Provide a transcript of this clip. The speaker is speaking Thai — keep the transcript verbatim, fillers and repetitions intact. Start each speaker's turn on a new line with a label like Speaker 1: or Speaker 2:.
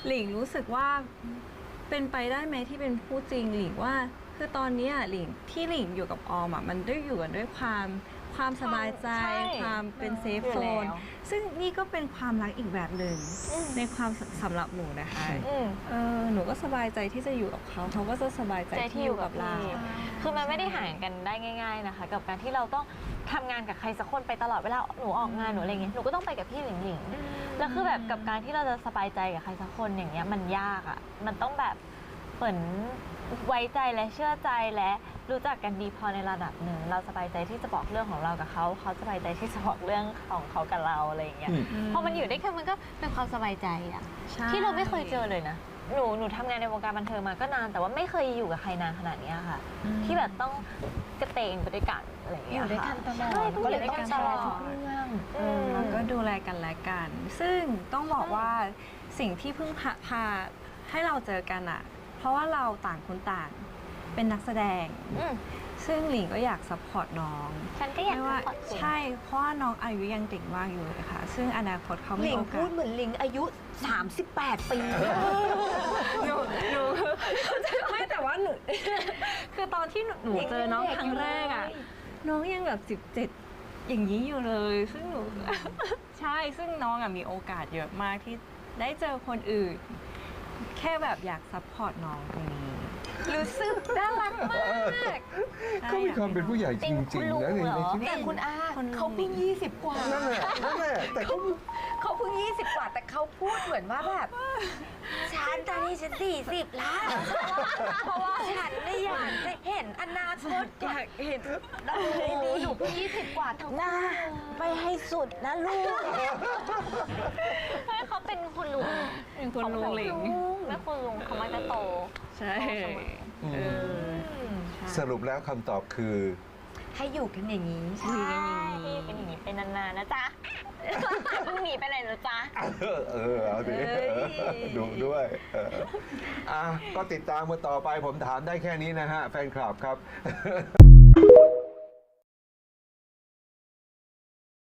Speaker 1: หลิงรู้สึกว่าเป็นไปได้ไหมที่เป็นผู้จริงหลิงว่าคือตอนนี้หลิงที่หลิงอยู่กับออมอ่ะมันได้อยู่กันด้วยความความสบายใจความเป็นเซฟโซนซึ่งนี่ก็เป็นความรักอีกแบบหนึ่งในความสำหรับหนูนะคะเออหนูก็สบายใจที่จะอยู่กับเขาเขาก็จะสบายใจที่อยู่กับเรา
Speaker 2: คือมันไม่ได้ห่างกันได้ง่ายๆนะคะกับการที่เราต้องทำงานกับใครสักคนไปตลอดเวลาหนูออกงานหนูอะไรเงี้ยหนูก็ต้องไปกับพี่หลิงหลิงแล้วคือแบบกับการที่เราจะสบายใจกับใครสักคนอย่างเงี้ยมันยากอ่ะมันต้องแบบเหมือนไว้ใจและเชื่อใจและรู้จักกันดีพอในระดับหนึ่งเราสบายใจที่จะบอกเรื่องของเรากับเขาเขาสบายใจที่จะบอกเรื่องของเขากับเราอะไรอย่างเงี้ยพอมันอยู่ด้วยกันมันก็เป็นความสบายใจอะที่เราไม่เคยเจอเลยนะหนูหนูทำงานในวงการบันเทิงมาก็นานแต่ว่าไม่เคยอยู่กับใครนานขนาดนี้ค่ะที่แบบต้องกระเตงไปด้วยกันอะไรอย่างเงี้ยอยู่ด้วยกันตลอดก็เลยต้องตลอดทุกเรื่อง
Speaker 1: แล้วก็ดูแลกันและกัน ซึ่งต้องบอกว่าสิ่งที่เพิ่งพาให้เราเจอกันอะเพราะว่าเราต่างคนต่างเป็นนักแสดงซึ่งหลิงก็อยากซัพพอร์ตน้อง
Speaker 2: ฉันก็อยาก
Speaker 1: ว่าใช่เพราะว่าน้องอายุยังเด็กมากอยู่เลยค่ะซึ่งอนาคตเขาไม่
Speaker 3: โอกาสหลิงพูดเหมือนหลิงอายุสามสิบแปดปี
Speaker 1: หนูหนูไม่แต่ว่าหนูคือตอนที่หนูเจอน้องครั้งแรกอ่ะน้องยังแบบสิบเจ็ดอย่างนี้อยู่เลยซึ่งหนูใช่ซึ่งน้องอ่ะมีโอกาสเยอะมากที่ได้เจอคนอื่นแค่แบบอยากซัพพอร์ตน้องตรงนี้รู้สึกน่ารักมาก
Speaker 4: เขามีความเป็นผู้ใหญ่จริงๆนะในชีวิต
Speaker 3: แต่คุณอาเขาเพิ่งยี่สิบกว่า
Speaker 4: นั่นแหละนั่นแหละแต่เขา
Speaker 3: เขาเพิ่งยี่สิบกว่าแต่เขาพูดเหมือนว่าแบบฉันตอนนี้ฉันสี่สิบแล้วเพราะว่าฉันไม่อยากจะเห็นอนาคตอยากเห็นเราดีหนูเพิ่งยี่สิบกว่าทั้งหน้าไปให้สุดนะลูก
Speaker 2: เขาเป็นคุณลุง
Speaker 1: เป็นคุณลุงหลิง
Speaker 2: แม่คุณลุงเขามักจะโต
Speaker 1: ใช่
Speaker 4: สรุปแล้วคำตอบคือ
Speaker 3: ให้อยู่กันอย่างนี้
Speaker 2: ใช่เป็นอย่างนี้เป็นนานๆนะจ๊ะเพิ่งหนีไปไหนนะจ๊ะ
Speaker 4: เออเอาดิดูด้วยอ่ะก็ติดตามมาต่อไปผมถามได้แค่นี้นะฮะแฟนคลับครับ